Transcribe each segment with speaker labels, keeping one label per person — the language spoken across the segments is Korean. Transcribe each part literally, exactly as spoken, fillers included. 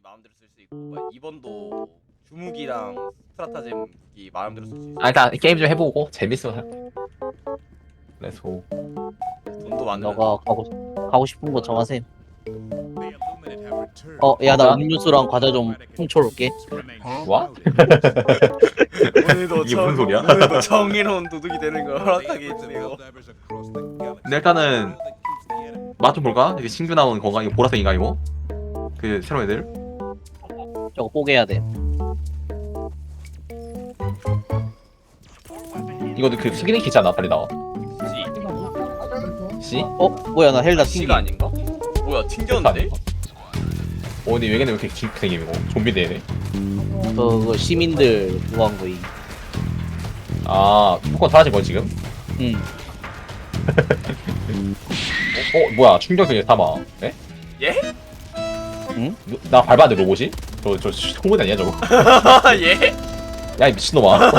Speaker 1: 마음대로 쓸 수 있고 이 번도 주무기랑 스트라타잼 무기 마음대로 쓸 수 있어.
Speaker 2: 아 일단 게임 좀 해보고 재밌어. 그래서
Speaker 1: 돈도 많으면
Speaker 3: 너가 가고 가고 싶은 거 정하셈. 어, 야 나 음료수랑 과자 좀 훔쳐올게.
Speaker 2: 뭐?
Speaker 1: 오늘도
Speaker 2: 이게 무슨 소리야?
Speaker 1: 오늘도 정의로운 도둑이 되는 걸 허락하게 해주세요.
Speaker 2: 근데 일단은 맛 좀 볼까? 이게 신규 나온 건가? 이거 보라색인가 이거? 그 새로운 애들?
Speaker 3: 저거 뽀개야 돼.
Speaker 2: 이거도 그 스기닝 키잖아. 빨리 나와.
Speaker 1: 씨,
Speaker 2: 씨?
Speaker 3: 어, 뭐야 나 헬다 튕기.
Speaker 1: 씨가 아닌가? 뭐야 튕겼는데?
Speaker 2: 어 근데 왜 이렇게 기- 생김 이거? 좀비 되네.
Speaker 3: 그거 시민들 그거 한 거이.
Speaker 2: 아 포커 사라진 거 지금?
Speaker 3: 응.
Speaker 2: 어, 어 뭐야 충격적인 사마. 에?
Speaker 1: 예?
Speaker 3: 응?
Speaker 2: 누- 나 밟았는데 로봇이? 저저 홍보대 아니야 저거?
Speaker 1: 예?
Speaker 2: 야 이 미친놈아.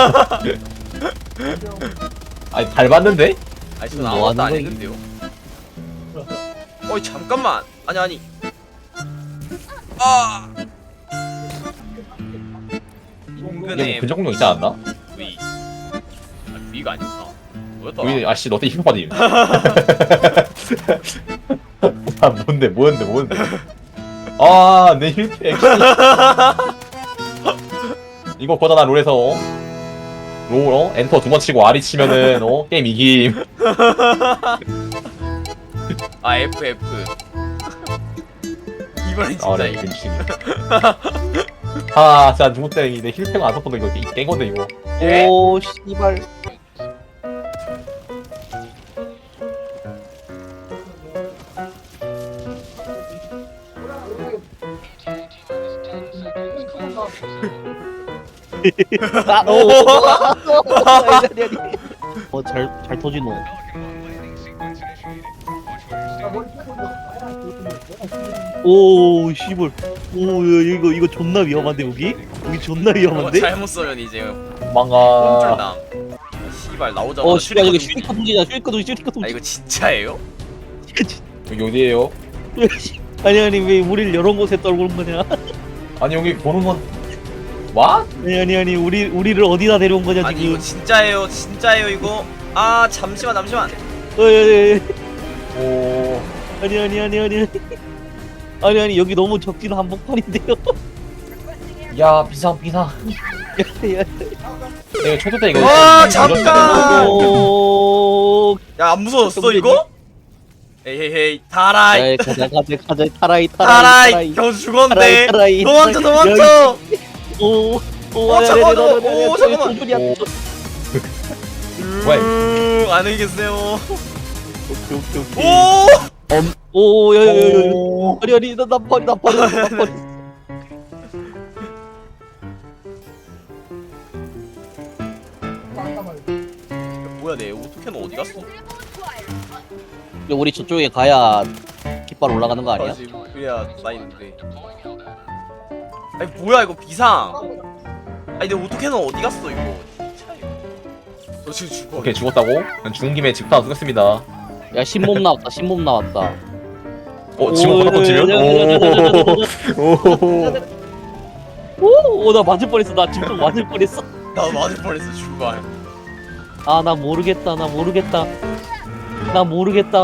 Speaker 2: 아니 밟았는데?
Speaker 1: 아니 저는
Speaker 3: 뭐
Speaker 1: 아무것도 안
Speaker 3: 하는
Speaker 1: 했는데요. 어이 잠깐만. 아니 아니. 아.
Speaker 2: 이게
Speaker 1: 인근에
Speaker 2: 뭐 근접 공격 있지 않았나?
Speaker 1: V. 아, V가 아니었나? 뭐였더라?
Speaker 2: 우리 아씨 너때 힙합 빠짐. 아 뭔데 뭐였는데 뭐였는데? 아내 힐팩. 이거 거잖아 롤에서 어? 롤 어? 엔터 두 번 치고 R이 치면은 어? 게임 이김.
Speaker 1: 아 F F. 이번엔
Speaker 2: 아
Speaker 1: 진짜
Speaker 2: 네
Speaker 1: 이거.
Speaker 2: 미친. 아 진짜 누구 때문에 내 힐팩 안 썼던 거 이거 깬 건데 이거.
Speaker 1: 예?
Speaker 3: 오 씨발. 아, 오, 오, 아니, 아니, 아니. 어, 잘, 잘 터지노. 오, 씨발. 오, 야, 이거, 이거 존나 위험한데, 여기? 여기 존나
Speaker 1: 이거
Speaker 3: 위험한데?
Speaker 1: 잘못 써면 이제
Speaker 2: 망가.
Speaker 1: 꼼줄남. 씨발 나오자마자
Speaker 3: 어, 씨발, 여기
Speaker 1: 슈리커
Speaker 3: 슈리커 동지다, 슈리커 동지, 슈리커
Speaker 1: 아
Speaker 3: 동지.
Speaker 1: 이거 진짜예요?
Speaker 2: 여기 어디에요?
Speaker 3: 아니, 아니, 왜 우리를 이런 곳에 떨구는 거냐?
Speaker 2: 아니 여기 보는 건 와?
Speaker 3: 아니, 아니, 아니, 우리, 우리를 어디다 데려온 거냐,
Speaker 1: 아니
Speaker 3: 지금?
Speaker 1: 이거 진짜예요 진짜예요 이거. 아 잠시만 잠시만.
Speaker 3: 어, 예, 예, 예.
Speaker 2: 오.
Speaker 3: 아니, 아니, 아니, 아니. 아니, 아니, 여기 너무 적진 한복판인데요?
Speaker 2: 야 비상 비상.
Speaker 3: 야, 야.
Speaker 2: 내가 초도 때 이거.
Speaker 1: 와,
Speaker 2: 이거
Speaker 1: 잠깐!
Speaker 3: 오,
Speaker 1: 야 안 무서웠어 이거? 에헤헤이 타라이
Speaker 3: 에이, 가자, 가자, 가자, 타라이, 타라이,
Speaker 1: 타라이 겨우 죽었네.
Speaker 3: 타라이,
Speaker 1: 도망쳐
Speaker 3: 타라이.
Speaker 1: 도망쳐.
Speaker 3: 오, 오,
Speaker 1: 어,
Speaker 3: 야,
Speaker 1: 잠깐만,
Speaker 3: 야, 야, 야, 야,
Speaker 1: 오,
Speaker 3: 야, 야,
Speaker 1: 잠깐만.
Speaker 3: 조절이야.
Speaker 2: 오.
Speaker 1: 음, 안녕히 계세요.
Speaker 3: 오케이, 오케이, 오케이.
Speaker 1: 오
Speaker 3: 오, 야, 야, 야, 야.
Speaker 2: 오.
Speaker 3: 아니, 아니, 나, 나 버리, 나 버리, 나 버리.
Speaker 1: 뭐야 내 오토캔 어디 갔어?
Speaker 3: 우리 저쪽에 가야 깃발 올라가는 거 아니야?
Speaker 1: 아, 지금 그래야 나 있는데. 아니 뭐야 이거 비상. 아니 내 오토캔은 어디 갔어 이거? 진짜 이거. 너 지금 죽어.
Speaker 2: 오케이 죽었다고? 그냥 죽은 김에 직파 쓰겠습니다.
Speaker 3: 야, 신몸 나왔다, 신몸 나왔다.
Speaker 2: 어 지금
Speaker 3: 오,
Speaker 2: 바닥 던지면?
Speaker 3: 야, 야, 야, 야, 야, 야, 야, 야, 야.
Speaker 2: 오.
Speaker 3: 오, 오, 나 맞을 뻔했어, 나 지금 맞을 뻔했어.
Speaker 1: 나 맞을 뻔했어 죽어.
Speaker 3: 아, 나 모르겠다, 나 모르겠다. 나 모르겠다.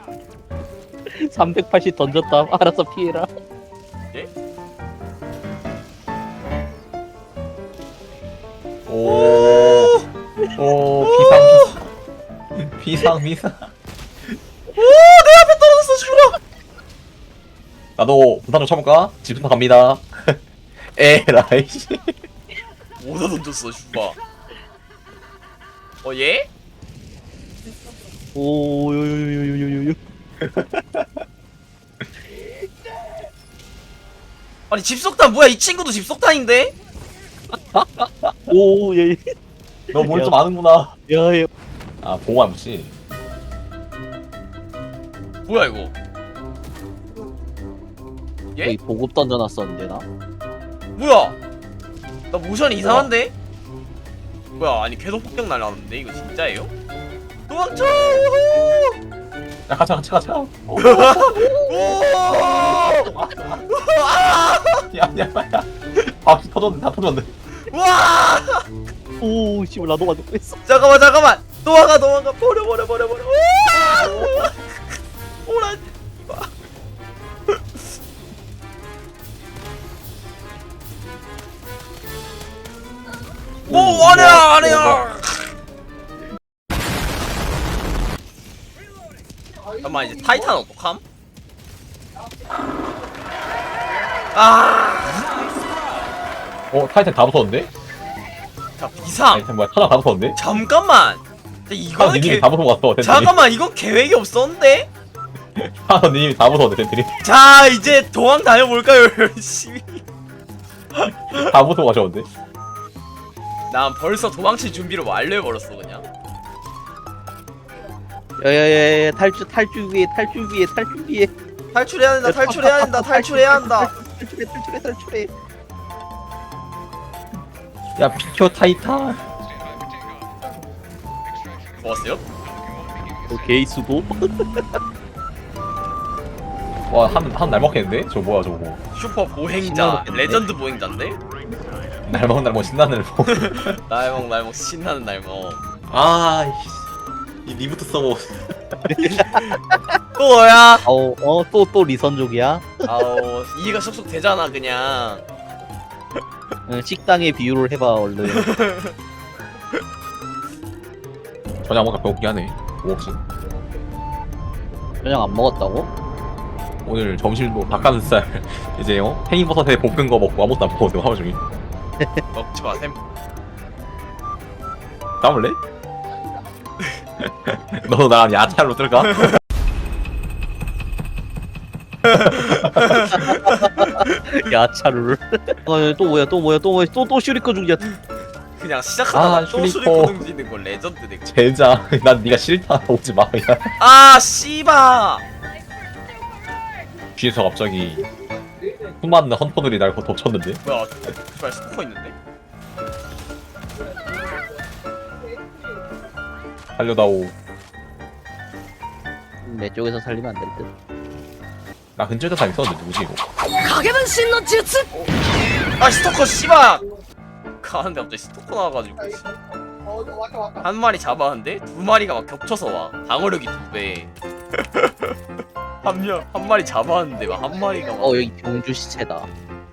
Speaker 3: 삼백팔십 던졌다. 알아서 피해라.
Speaker 2: 오. 오 비상 비상. 비상 비상.
Speaker 1: 오내 앞에 떨어졌어 죽어.
Speaker 2: 나도 부산 좀 쳐볼까? 집부터 갑니다. 에라이 씨.
Speaker 1: 어디다 던졌어 죽어. 어 얘?
Speaker 3: 오, 요요요요요요요.
Speaker 1: 아니 집속탄 뭐야 이 친구도 집속탄인데?
Speaker 3: 오, 예.
Speaker 2: 너 뭘 좀 아는구나.
Speaker 3: 야, 야.
Speaker 2: 아 보호한 무시.
Speaker 1: 뭐야 이거? 예?
Speaker 3: 여기 보급 던져놨었는데 나.
Speaker 1: 뭐야? 나 모션이 이상한데? 뭐야 아니 궤도 폭격 날라왔는데 이거 진짜예요? 도망쳐!
Speaker 2: 야 가자 가자 가자.
Speaker 1: 오! 아!
Speaker 2: 야 아니야 아니야. 아 터졌네 다 터졌네.
Speaker 1: 와
Speaker 3: 오 씨발 나도 가지고 있어.
Speaker 1: 잠깐만 잠깐만 도망가 도망가 버려 버려 버려 버려 우와! 오라 이봐 오 아니야 아니야 잠깐만 이제 타이탄 어떡함? 아,
Speaker 2: 어 타이탄 다 붙었는데?
Speaker 1: 자 비상.
Speaker 2: 타이탄 뭐야 타자 다 붙었는데?
Speaker 1: 잠깐만. 근데
Speaker 2: 타자
Speaker 1: 이거는
Speaker 2: 님이
Speaker 1: 계...
Speaker 2: 다 붙은 거 같어. 텐트리.
Speaker 1: 잠깐만 이건 계획이 없었는데?
Speaker 2: 타자 님이 다 붙었는데 텐트리.
Speaker 1: 자 이제 도망 다녀볼까요 열심히.
Speaker 2: 다 붙은 거 같았는데?
Speaker 1: 난 벌써 도망칠 준비를 완료해버렸어 그냥.
Speaker 3: 야야야야 탈출 탈출 위에 탈출 위에 탈출 위에
Speaker 1: 탈출해야 된다 탈출해야 된다 탈출해야 한다.
Speaker 3: 탈출해 탈출해 탈출해.
Speaker 2: 야 비켜 타이탄.
Speaker 1: 좋았어요?
Speaker 3: 오케이 수고.
Speaker 2: 와한한 날 먹겠는데? 저거 뭐야 저거.
Speaker 1: 슈퍼 보행자
Speaker 3: 신나겠는데?
Speaker 1: 레전드 보행자인데?
Speaker 2: 날 먹은 날 뭐 신나는 날 먹.
Speaker 1: 날먹 날먹 신나는 날먹.
Speaker 2: 아이씨. 이 리부트 서버.
Speaker 1: 또 뭐야?
Speaker 3: 아우 어또 또 리선족이야.
Speaker 1: 아우 이해가 쏙쏙 되잖아 그냥.
Speaker 3: 응, 식당의 비유를 해봐 얼른.
Speaker 2: 저녁 뭔가 배고프긴 하네. 뭐 없이.
Speaker 3: 저녁 안 먹었다고?
Speaker 2: 오늘 점심도 닭가슴살 이제 어? 팽이버섯에 볶은 거 먹고 아무것도 안 먹었는데 하루 종일.
Speaker 1: 먹지 마셈.
Speaker 2: 까볼래? 너도 나랑 야채로 뜰까?
Speaker 3: 야차를. 어또 뭐야 또 뭐야 또 뭐야 또또 슈리커 중이야.
Speaker 1: 그냥 시작하다가
Speaker 2: 아,
Speaker 1: 또
Speaker 2: 슈리퍼.
Speaker 1: 수리코 등지는 건 레전드네.
Speaker 2: 젠장. 난 네가 싫다. 오지 마. 그냥.
Speaker 1: 아 씨바.
Speaker 2: 뒤에서 갑자기 수많은 헌터들이 날 덮쳤는데.
Speaker 1: 뭐야? 정말 스포 있는데?
Speaker 2: 살려다오.
Speaker 3: 내 쪽에서 살리면 안 될 듯.
Speaker 2: 나 근처에서 다 있었는데 누구지 이거?
Speaker 1: 아 스토커 씨바. 가는데 갑자기 스토커 나와가지고 한 마리 잡았는데 두 마리가 막 겹쳐서 와. 방어력이 두 배. 한명 한 마리 잡았는데 막 한 마리가 막.
Speaker 3: 어 여기 병주 시체다.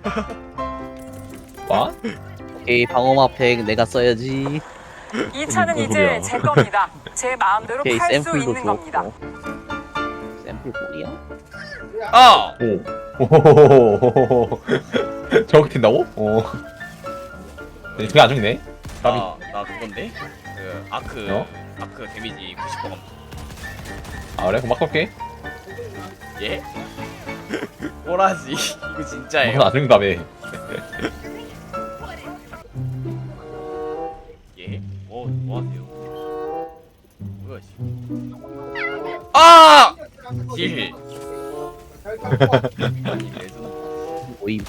Speaker 2: 와?
Speaker 3: 오케이 방어막 팩 내가 써야지.
Speaker 4: 이 차는
Speaker 2: 무슨
Speaker 4: 이제
Speaker 2: 소리야.
Speaker 4: 제 겁니다. 제 마음대로
Speaker 3: 오케이
Speaker 4: 팔 수
Speaker 3: 샘플도
Speaker 4: 있는 겁니다.
Speaker 3: 주었고. 샘플 꼴이야?
Speaker 1: 아
Speaker 2: 오. 오호호호호호호. 저렇게 튄다고? 어. 네, 그게 안 죽네. 까비.
Speaker 1: 나, 나 그건데? 그 아크
Speaker 2: 어?
Speaker 1: 아크 데미지 구십 퍼센트.
Speaker 2: 아 그래? 그럼 막 쏠게.
Speaker 1: 예? 꼬라지 이거
Speaker 2: 무슨
Speaker 1: 진짜예요.
Speaker 2: 안 죽는다며.
Speaker 1: 예? 뭐, 뭐 하세요? 뭐야 지금? 아! 딜. 아니 레전드.
Speaker 3: 모임.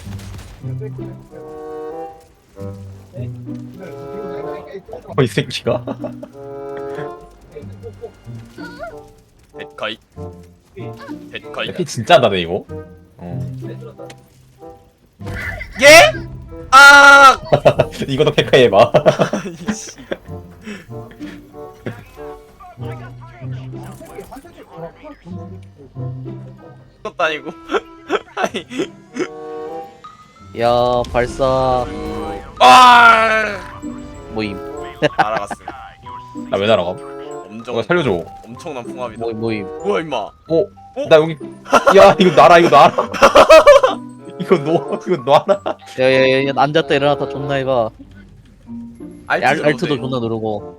Speaker 2: 어, 이 새끼가.
Speaker 1: 데카이. 데카이.
Speaker 2: 피 진짜 나네 이거. 어.
Speaker 1: 예? 아!
Speaker 2: 이것도 페카이 해봐.
Speaker 1: 이씨. 그것도 아니고. 아니.
Speaker 3: 야 발사
Speaker 1: 아!
Speaker 3: 모임.
Speaker 1: 날아갔어.
Speaker 2: 나 왜 날아가?
Speaker 1: 엄청
Speaker 2: 누가 살려줘.
Speaker 1: 엄청난 풍압이다.
Speaker 3: 모임 모임.
Speaker 1: 뭐야 임마?
Speaker 2: 어? 나 여기. 야 이거 놔라 이거 놔라. 이거 놓 이거 놔라.
Speaker 3: 야야야 앉았다 일어났다 존나 해봐.
Speaker 1: 알트
Speaker 3: 알,
Speaker 1: 눌러도
Speaker 3: 알트도
Speaker 1: 돼.
Speaker 3: 존나 누르고.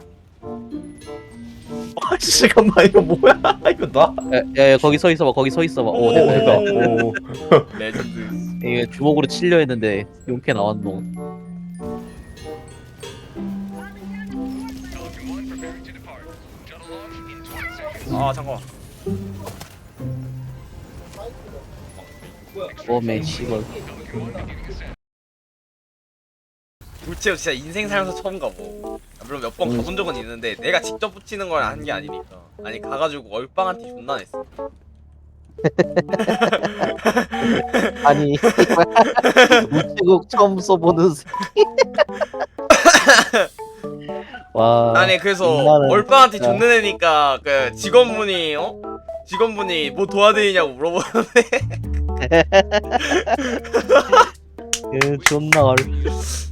Speaker 2: 아 잠깐만 이거 뭐야? 이거 놔.
Speaker 3: 야야 거기 서 있어봐 거기 서 있어봐. 오
Speaker 1: 오.
Speaker 3: 됐다 됐다.
Speaker 2: 오.
Speaker 1: 레전드.
Speaker 3: 이게 주먹으로 치려 했는데 용케 나왔노.
Speaker 1: 아 잠깐만.
Speaker 3: 오메 씨발.
Speaker 1: 불체어 진짜 인생 살면서 처음 가보. 아, 물론 몇 번
Speaker 3: 음.
Speaker 1: 가본 적은 있는데 내가 직접 붙이는 걸 한 게 아니니까. 아니 가가지고 얼빵한테 존나 냈어.
Speaker 5: 아니 우체국 처음 써보는 새끼. 와
Speaker 1: 아니 그래서
Speaker 5: 인간은
Speaker 1: 얼빠한테
Speaker 5: 진짜.
Speaker 1: 존내 내니까 그 직원분이 어? 직원분이 뭐 도와드리냐고 물어보는데
Speaker 3: 그 존나 어려